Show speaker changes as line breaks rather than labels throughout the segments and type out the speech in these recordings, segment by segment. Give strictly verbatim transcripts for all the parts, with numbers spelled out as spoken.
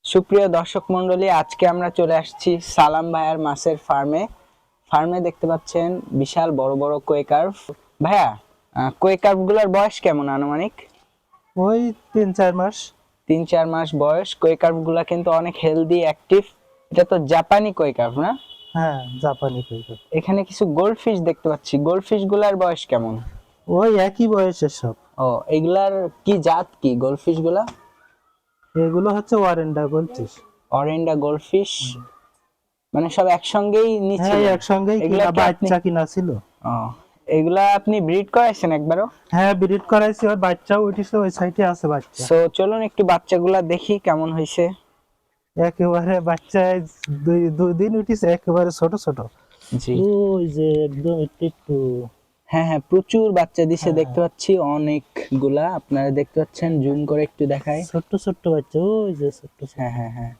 সুপ্রিয় দর্শক মন্ডলী, আজকে আমরা চলে আসছি সালাম ভাইয়ার মাছের ফার্মে। ফার্মে দেখতে পাচ্ছেন বিশাল বড় বড় কোয়ে কার্ভ। ভাইয়া, কোয়ে কার্ভ গুলার বয়স কেমন আনুমানিক?
ওই তিন চার মাস।
তিন চার মাস বয়স। কোয়ে কার্ভ গুলা কিন্তু অনেক হেলদি, অ্যাক্টিভ। এটা তো জাপানি কোয়ে কার্ভ না?
হ্যাঁ, জাপানি কইবে।
এখানে কিছু গোল্ড ফিশ দেখতে পাচ্ছি। গোল্ড ফিশ গুলার বয়স কেমন?
ওই একই বয়সের সব।
ও, এগুলার কি জাত, কি গোল্ড ফিশ গুলা?
এগুলো হচ্ছে ওয়ারেন্ডা বলছিস?
অরেন্ডা গোল্ড ফিশ, মানে সব একসঙ্গেই নিচে?
হ্যাঁ, একসঙ্গেই
এগুলা
কিনা,
কি আপনি
বাচ্চা কিনা ছিল।
ও, এগুলা আপনি ব্রিড করাইছেন একবারও?
হ্যাঁ, ব্রিড করাইছি, ওর বাচ্চাও উঠেছে, ওই সাইডে আছে বাচ্চা।
সো চলুন একটু বাচ্চাগুলা দেখি কেমন হয়েছে।
একেবারে বাচ্চায় দুই দুই দিন উঠেছে, একেবারে ছোট ছোট।
জি,
ওই যে একদম একটু একটু।
হ্যাঁ হ্যাঁ, প্রচুর বাচ্চা দিছে
হ্যাঁ,
দেখতে পাচ্ছি, অনেকগুলা। আপনারা দেখতে পাচ্ছেন, জুম করে একটু দেখাই।
ছোট্ট ছোট্ট বাচ্চা, ওই যে ছোট্ট ছোট্ট।
হ্যাঁ হ্যাঁ হ্যাঁ।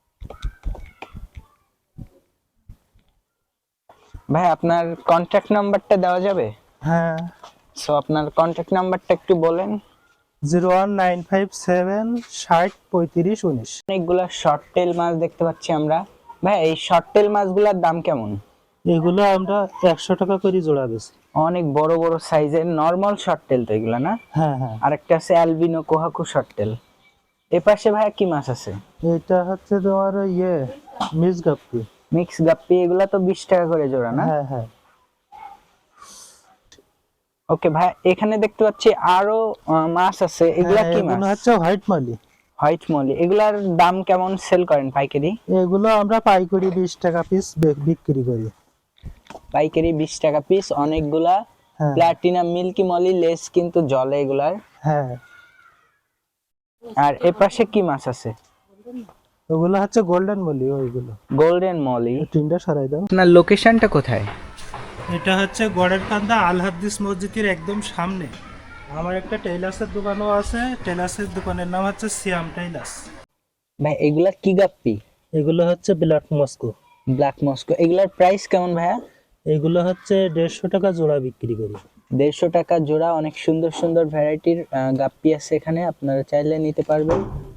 ভাই, আপনার কন্ট্যাক্ট নাম্বারটা দেওয়া যাবে?
হ্যাঁ,
সো আপনার কন্ট্যাক্ট নাম্বারটা একটু বলেন।
Zero one nine five seven ষাট পঁয়ত্রিশ উনিশ।
অনেকগুলা শর্ট টেল মাছ দেখতে পাচ্ছি আমরা। ভাই, এই শর্ট টেল মাছগুলোর দাম কেমন?
এগুলো আমরা একশো টাকা করে জোড়া বেছি।
অনেক বড় বড় সাইজের নরমাল শর্ট টেল তো এগুলা না?
হ্যাঁ হ্যাঁ।
আরেকটা আছে অ্যালবিনো কোহাকু শর্ট টেল। এ পাশে ভাইয়া কি মাছ আছে?
এটা হচ্ছে তোমার ইয়ে মিস গাপ্পি।
মিক্স গাপ্পি, এগুলা তো বিশ টাকা করে জোড়া না?
হ্যাঁ হ্যাঁ।
ওকে ভাই, এখানে দেখতে পাচ্ছি আরো আহ, মাছ আছে। এগুলা
হ্যাঁ,
কি
এগুলো
মাছ?
হচ্ছে হোয়াইট মালি।
White molly. এগুলার দাম কেমন সেল করেন পাইকারি?
এগুলো আমরা পাইকারি বিশ টাকা পিস বিক্রি করি।
পাইকারি বিশ টাকা পিস, অনেকগুলা।
হ্যাঁ
প্লাটিনাম মিল্কি মলি লেস কিন্তু জলে এগুলার।
হ্যাঁ।
আর এ পাশে কি মাছ আছে?
ওগুলো হচ্ছে গোল্ডেন মলি, ওইগুলো।
Golden molly.
টিনটা সরাই দাও।
আপনার লোকেশনটা কোথায়?
এটা হচ্ছে গড়ের কান্দা আল হাদিস মসজিদের একদম সামনে। আমার একটা টেইলার্সের দোকানও আছে। টেইলার্সের দোকানের নাম হচ্ছে সিয়াম টেইলার্স।
ভাই, এগুলা কি গাপ্পি?
এগুলো হচ্ছে ব্ল্যাক মস্কো।
Black Moscow. এগুলার প্রাইস কেমন ভাইয়া?
এগুলো হচ্ছে দেড়শো টাকা জোড়া বিক্রি করি।
দেড়শো টাকা জোড়া। অনেক সুন্দর সুন্দর ভ্যারাইটির গাপ্পি আছে এখানে, আপনারা চাইলে নিতে পারবেন।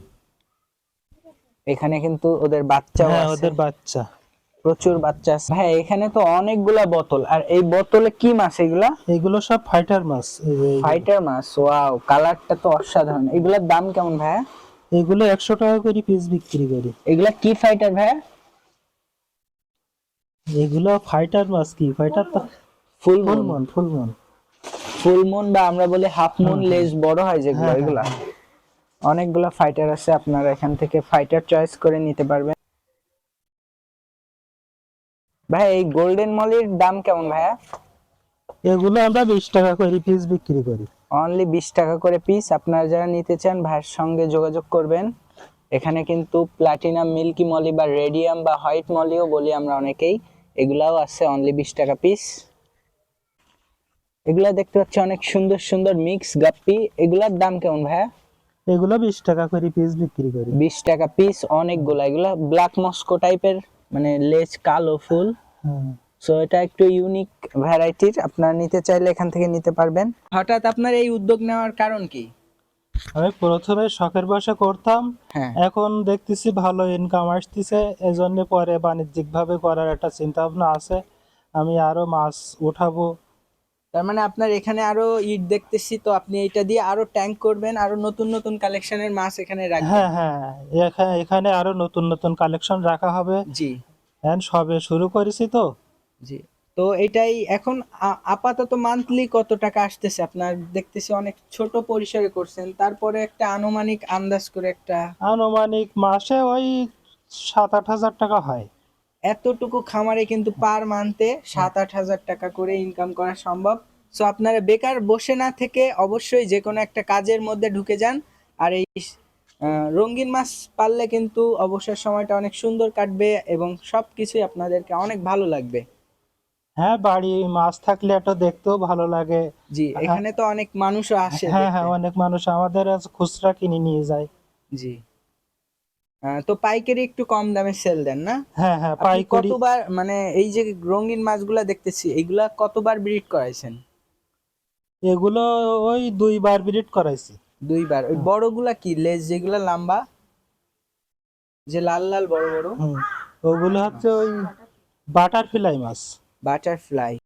এখানে কিন্তু ওদের বাচ্চাও
হ্যাঁ,
আছে,
ওদের বাচ্চা।
প্রচুর বাচ্চা আছে। ভাই, এখানে তো অনেকগুলা বোতল। আর এই বোতলে কি মাছ এগুলা?
এগুলো সব ফাইটার মাছ। এই যে এইগুলো।
ফাইটার মাছ। ওয়াও, কালারটা তো অসাধারণ। এগুলার দাম কেমন ভাইয়া?
এগুলো একশো টাকা করে পিস বিক্রি করি।
এগুলা কি ফাইটার ভাইয়া?
এগুলো ফাইটার মাছ। কি ফাইটার? তো
ফুল
ফুল
মুন।
মন ফুল মন।
ফুল মুন বা আমরা বলি হাফ মুন,
হুম, হুম।
লেজ বড় হয় যেগুলো,
হ্যাঁ হ্যাঁ
এগুলা।
হ্যাঁ।
অনেকগুলা ফাইটার আছে, আপনারা এখান থেকে ফাইটার চয়েস করে নিতে পারবেন। ভাই, এই গোল্ডেন মলির দাম কেমন ভাইয়া?
এগুলো আমরা বিশ টাকা করে পিস বিক্রি করি।
অনলি বিশ টাকা করে পিস। আপনারা যারা নিতে চান ভাইয়ের সঙ্গে যোগাযোগ করবেন। এখানে কিন্তু প্লাটিনাম মিল্কি মলি বা রেডিয়াম বা হোয়াইট মলিও বলি আমরা অনেকেই, এগুলাও আছে অনলি বিশ টাকা পিস। এগুলা দেখতে পাচ্ছি অনেক সুন্দর সুন্দর মিক্স গাপ্পি। এগুলার দাম কেমন ভাইয়া?
এগুলো বিশ টাকা করে পিস বিক্রি করি।
বিশ টাকা পিস, অনেকগুলা। এগুলা ব্ল্যাক মস্কো টাইপের, মানে লেজ কালো, ফুল।
হুম।
সো এটা একটু ইউনিক ভ্যারাইটির, আপনারা নিতে চাইলে এখান থেকে নিতে পারবেন। হঠাৎ আপনার এই উদ্যোগ নেওয়ার কারণ কি?
আমি প্রথমে শখের বশে করতাম।
হ্যাঁ।
এখন দেখতেছি ভালো ইনকাম আসতেছে, এজন্য পরে বাণিজ্যিক ভাবে করার একটা চিন্তা ভাবনা আছে। আমি আরো মাছ উঠাবো।
তার মানে আপনার এখানে আরো ইট দেখতেছি, তো আপনি এটা দিয়ে আরো ট্যাঙ্ক করবেন, আরো নতুন নতুন কালেকশনের মাছ এখানে রাখবেন।
হ্যাঁ হ্যাঁ। এখা- এখানে আরো নতুন নতুন কালেকশন রাখা হবে।
জি
এখন সবে শুরু করেছি তো।
জি। তো এটাই এখন আ- আপাতত মান্থলি কত টাকা আসতেছে আপনার? দেখতেছি অনেক ছোট পরিসরে করছেন, তারপরে একটা আনুমানিক আন্দাজ করে একটা।
আনুমানিক মাসে ওই সাত আট হাজার টাকা হয়।
এতটুকু খামারে কিন্তু পার মান্থে সাত আট হাজার টাকা করে ইনকাম করা সম্ভব। সো আপনারা বেকার বসে না থেকে অবশ্যই যে কোনো একটা কাজের মধ্যে ঢুকে যান। আর এই আহ, রঙিন মাছ পাললে কিন্তু অবসর সময়টা অনেক সুন্দর কাটবে এবং সবকিছুই আপনাদেরকে অনেক ভালো লাগবে।
হ্যাঁ, বাড়ি মাছ থাকলে একটা দেখতেও ভালো লাগে।
জি,
আ-
এখানে তো অনেক মানুষও আসে
হ্যাঁ
দেখতে।
হ্যাঁ, অনেক মানুষ আমাদের আজ খুচরা কিনে নিয়ে যায়।
জি। আহ, তো পাইকারি একটু কম দামে সেল দেন না?
হ্যাঁ হ্যাঁ,
আপনি
পাইকারি।
কতবার, মানে এই যে রঙিন মাছগুলা দেখতেছি, এইগুলা কতবার ব্রিড করাইছেন?
এগুলো ওই দুইবার ব্রিড করাইছি।
দুইবার। ওই
হুম।
বড়গুলা কি লেজ যেগুলা লম্বা? যে লাল লাল বড় বড়
হুম, ওগুলো হচ্ছে ওই বাটারফ্লাই মাছ।
বাটারফ্লাই।